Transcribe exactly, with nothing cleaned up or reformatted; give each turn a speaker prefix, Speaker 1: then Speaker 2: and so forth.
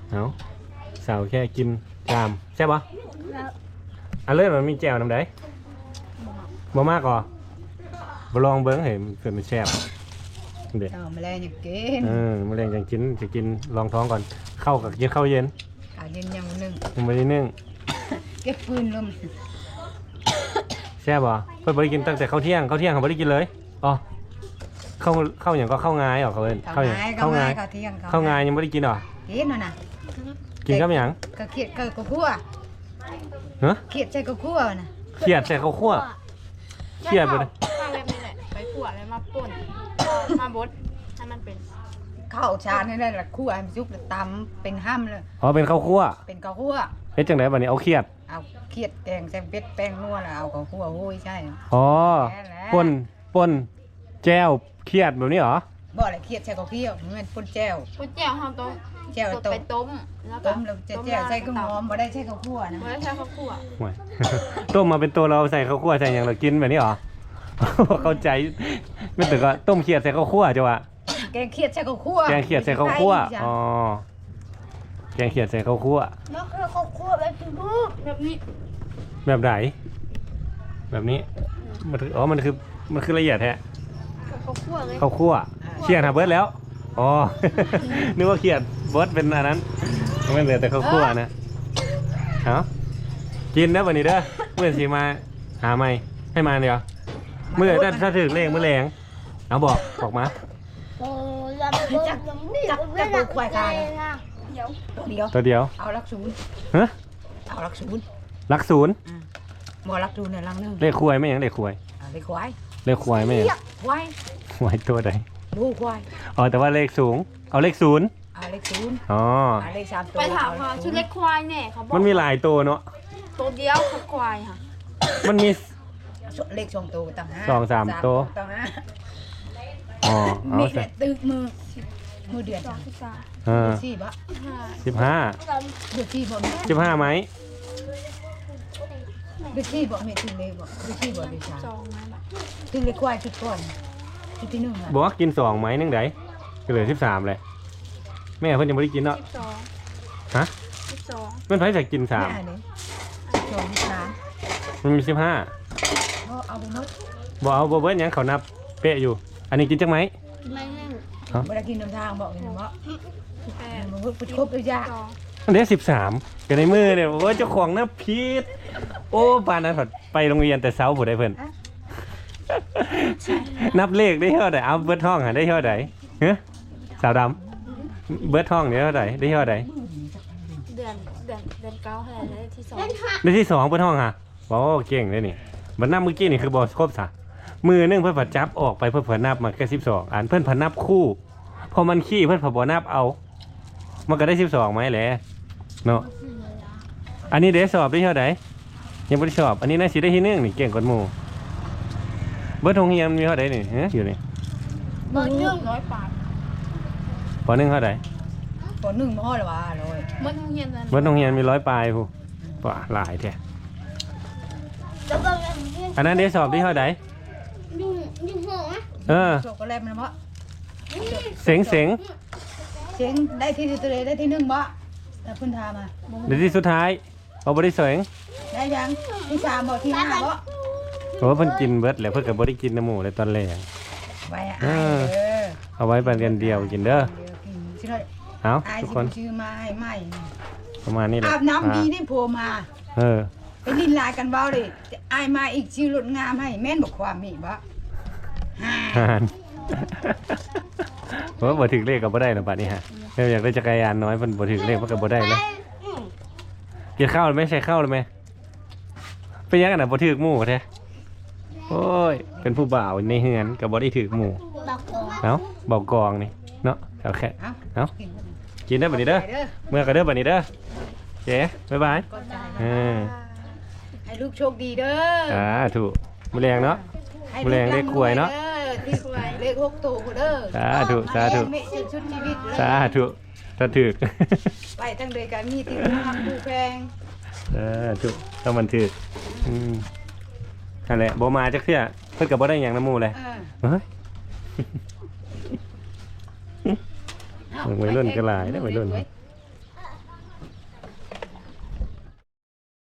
Speaker 1: เอาสาวแค่กินจามใช่ปะอันเลื่อนมันมีแจ่วน้ำได้บ่มากก่อบ่ลองเบิ้งเห็นเกิดมันแซ่บเด็ด
Speaker 2: เอาแมลงอยากกิน
Speaker 1: เออมะเร็งจะกินจะกินลองท้องก่อนเข้ากับกินข้าวเย็น
Speaker 2: ขาเย็นยังหนึ่ง
Speaker 1: ยังไม่ได้นึ่ง
Speaker 2: เก็บปืนลม
Speaker 1: แซ่บบ่เพิ่นบ่ได้กินตั้งแต่ข้าวเที่ยงข้าวเที่ยงเขาบ่ได้กินเลยอ๋อเข้าเข้าอย่างก็เข้างายหรอเขาเอิ้น
Speaker 2: เขา
Speaker 1: เข้าอย่าง
Speaker 2: ง่าย
Speaker 1: เข้างาย
Speaker 2: เขาเที่ยง
Speaker 1: เข้างายยังไม่ได้กินหรอ
Speaker 2: กินน่ะนะ
Speaker 1: กินกับหยัง
Speaker 2: ก็เขียดก็กคั่ว
Speaker 1: ฮะ
Speaker 2: เขียดใส่ก็คั่วน่ะ
Speaker 1: เขียดใส่ข้าวคั่วเขียดไปเลย
Speaker 3: มาแบบนี้แหละไปขวดแล้วมาป่นมาบดให้มันเป็น
Speaker 2: ข้าวชานี่ได้ละคั่วให้มันสุกแล้วตำเป็นห้ำเลย
Speaker 1: อ๋อเป็นข้าวคั่ว
Speaker 2: เป็นข้าวคั่ว
Speaker 1: เฮ็ดจังไดบัดนี้เอาเขียด
Speaker 2: เอาเขียดแกงใส่เป็ดแป้งนัวแล้วเอาข้าวคั่วโอ้ยใช่
Speaker 1: อ๋อ
Speaker 2: แค่นั้น
Speaker 1: ป่นป่นแจ่วเขียดแบบนี้เหรอ
Speaker 2: บ่อะไรเขียดใส่ข้าวเคี่ยวมันเป็นป่นแจ่ว
Speaker 3: ก๋วยเตี๋ยวเขาต้อง
Speaker 2: แจ่ว
Speaker 3: ต้
Speaker 2: ต้
Speaker 3: ไป
Speaker 2: ม
Speaker 3: ต้มแล้วก็
Speaker 2: ต้มแล้วจะแจ่วใส่ข้าวหอมบ่ได้ใส่ข้าวคั่วนะ
Speaker 3: ไม่ได้ใช้ข้าวคั่ว
Speaker 1: ห่วย ต้มมาเป็นตัวเราใส่ข้าวคั่วใส่อย่างเรากินแบบนี้เหรอ เข้าใจไม่ถึงก็ต้มเขียดใส่ข้าวคั่วจ้ะวะ
Speaker 2: แกงเขียดใส่ข้าวคั่ว
Speaker 1: แกงเขียดใส่ข้าวคั่วอ๋อแกงเขียดใส่ข้าวคั่ว
Speaker 3: แล้วคือข้าวคั่วแบบแบบนี้
Speaker 1: แบบไหนแบบนี้มันคืออ๋อมันคือมันคือละเอียดแท้
Speaker 3: ข้าวคั่วเลย
Speaker 1: ข้าวคั่วเขียดหาเบิร์ดแล้วอ๋ อ นึกว่าเขียดเบิร์ดเป็นอันนั้นไม่เหลือแต่ข้าวคั่วนะเอากินนะวันนี้เด้อเมื่อสีมาหาไม่ให้มาเดียวเมื่อถ้าถ้าถึงเลขเมื่อแรงเอาบอกบอกมา
Speaker 2: จักจักจักตัวควายกาย
Speaker 3: เดี๋ยว
Speaker 2: เดียว
Speaker 1: ตัวเดียว
Speaker 2: เอาลักศูนย์
Speaker 1: ฮะ
Speaker 2: เอาลักศูนย์
Speaker 1: ลักศูนย์
Speaker 2: บ่ลักศูนย์เนี่ยลังนึง
Speaker 1: เลขควายไม่ยังเลขควาย
Speaker 2: เอาเลยควาย
Speaker 1: เลขควายไม่ยัง
Speaker 2: ควาย
Speaker 1: ควายตัวใด
Speaker 2: ดูควาย
Speaker 1: อ๋อแต่ว่าเลขสูงเอาเลขศูนย์
Speaker 2: เอาเลขศูนย์
Speaker 1: อ๋อ
Speaker 2: เอาเลขสามตัว
Speaker 3: ไปถามเขาชุดเล็กควายเนี่ยเขาบอก
Speaker 1: มันมีหลายตัวเนาะ
Speaker 3: ตัวเดียวคือควายค่ะ
Speaker 1: มันมี
Speaker 2: เลขสองตัวต่างห้า
Speaker 1: สองสามตัว
Speaker 2: ต่างห้า
Speaker 1: อ๋อเอา
Speaker 2: มี
Speaker 1: สิ
Speaker 2: แต่ตึกมือมือเดือน
Speaker 3: สองสิบสาม
Speaker 1: เออ
Speaker 2: เดือนสี่บะ
Speaker 3: ห้า
Speaker 1: สิบห้า
Speaker 2: เดือนสี่บ่
Speaker 1: สิบห้าไหม
Speaker 2: เดือนสี่บ่เมถึงเลยบ่เดือนสี่บ่เดือนสาม
Speaker 3: สองไม้แบบ
Speaker 2: ถึงเลยควายชุดก่อนชุดที่หนึ่งอ่ะ
Speaker 1: บอกว่ากินสองไหมนึงไดก็เหลือสิบสามเลยแม่เพิ่นยังไม่ได้กินเนาะ
Speaker 3: สิบสอง
Speaker 1: ฮะ
Speaker 3: สิบสอง
Speaker 1: มันไผจะกินสาม
Speaker 2: แม่นี่สองสาม
Speaker 1: มันมีสิบห้า
Speaker 2: เพราะเอาไปหมด
Speaker 1: บอกเอาบ่เบิ้ลยังเขานับเป๊ะอยู่ อันนี้กินจังไหม
Speaker 3: กินไม่หนึ่ง
Speaker 2: เวลากินน้ำทางบอกเลยนะว่า
Speaker 3: แปด
Speaker 2: มันก็ครบเลยจ้ะ
Speaker 3: สอง
Speaker 1: อันนี้สิบสามอยู่ในมือเนี่ยโอ้ยเจ้าของนับพีดโอ้ปานนั้นผดไปโรงเรียนแต่เช้าผู้ใดเพิ่น นับเลขได้เท่าไหร่เอาเบิร์ดห้องหาได้เท่าไหร่เฮ้ยสาวดำเบิร์ดห้องได้เท่าไหร่ได้เท่าไหร่
Speaker 3: เดือนเดือนเดือนเก้าเท่าไหร่ได้ที่สอง
Speaker 1: ได้ที่สองเบิร์ดห้องฮะโอ้เก่งเลยนี่บันนับเมื่อกี้นี่คือบอสครบสะมือหนึงเพื่อนผัดจับออกไปเพื่อนผัดนับมันก็สิบสองอันเพื่อนผัดนับคู่พอมันขี้เพื่อนผัดบอนับเอา มันก็ได้สิบสองไหมแหละเนาะอันนี้เดสสอบได้เท่าไหร่ยังไม่ได้สอบอันนี้น่าสิได้ที่หนึ่งนี่เก่งกว่าหมู่เบิร์ดทงเฮียมมีเท่าไหร่นี่เฮ้ยอยู่นี่
Speaker 3: เบอร์หนึ่งร้อยบาท
Speaker 1: ปอหนึ่งเท่าไหร่
Speaker 2: ปหนึ่งมอหรอวะเลย
Speaker 3: เมื่อเฮียนนั้น
Speaker 1: เบิร์ดทงเฮียมมีร้อยปลายผู้ป่าหลายแท้
Speaker 3: แล้วก็
Speaker 1: อันนั้นเดสสอบได้เท่าไหร่
Speaker 3: ยุ่งยุ่งหัว
Speaker 1: เออ
Speaker 2: โชคก็แลบมันเพราะ
Speaker 1: เสียงเสียง
Speaker 2: เสียงได้ที่ตัวเลยได้ที่หนึ่งบ่แต่เพิ่นทามา
Speaker 1: เดี๋ยวที่สุดท้ายเอาบริเสียง
Speaker 2: ได้ยังที่สามบ่ที่ห้าบ่
Speaker 1: เพราะว่าเพิ่นกินเบิร์ดแล้วเพิ่นกับบริกินน้ำหมูเลยตอนแรก
Speaker 2: ไว้อายเด้อ
Speaker 1: เอาไว้ไปเรียนเดียวกินเด้อ
Speaker 2: เดี๋ยวกินสิเลย
Speaker 1: เอา
Speaker 2: อาย
Speaker 1: ทุก
Speaker 2: สิ
Speaker 1: คน
Speaker 2: ชื่อมาให้ใหม่
Speaker 1: ประมาณนี้แหละ
Speaker 2: อาบน้ำดีนี่โผล่มา
Speaker 1: เออ
Speaker 2: ไปลินลายกันเบ้าเลยอายมาอีกชื่อรถงามให้แม่นบอกความมีบ่ฮ่า
Speaker 1: หานเพราะว่าบ่ถึงเลขก็บ่ได้นะบัดนี้ฮะเราอยากได้จักรยานน้อยเพิ่นบ่ถึงเลขมันก็บ่ได้นะกินข้าวหรือไม่ใช่ข้าวหรือไม่เป็นยังไงน่ะบ่ถึกหมู่แท้โอ้ยเป็นผู้บ่าวในเฮือนก็บ่ได้ถึกหมู่
Speaker 3: บักกอง
Speaker 1: เอ้าเบากองนี่เนาะเอาแค่
Speaker 2: เอ้า
Speaker 1: เอ้า
Speaker 2: กิน
Speaker 1: กินได้อบัดนี้เด้อ
Speaker 2: ไปเด้อ
Speaker 1: เมื่อก็เด้อบัดนี้เด้อเจ๊บ๊ายบาย
Speaker 2: ก่อนใจ
Speaker 1: เออ
Speaker 2: ให้ลูกโชคดีเด้อ
Speaker 1: อ่าถูกมื้อแรงเนาะ
Speaker 2: ให้
Speaker 1: แรงเลขกล้วยเนาะ
Speaker 2: ที่กล้วยเลขหกตัวกูเด้อ
Speaker 1: สาธุสาธุ
Speaker 2: ไม่ชุดชุดชีวิตเลย
Speaker 1: สาธุถ้าถึก
Speaker 2: ไปทั้งเลยกันมีที่ทำผู้แพง
Speaker 1: สาธุต้องมันถึกอืมนั่นแหละบ่มาจักเทื่อเพิ่นก็บ่ได้หยังนำหมู่เลย
Speaker 2: เออ
Speaker 1: เฮ้ย วัยรุ่นก็หลายเด้อวัยรุ่น
Speaker 2: เ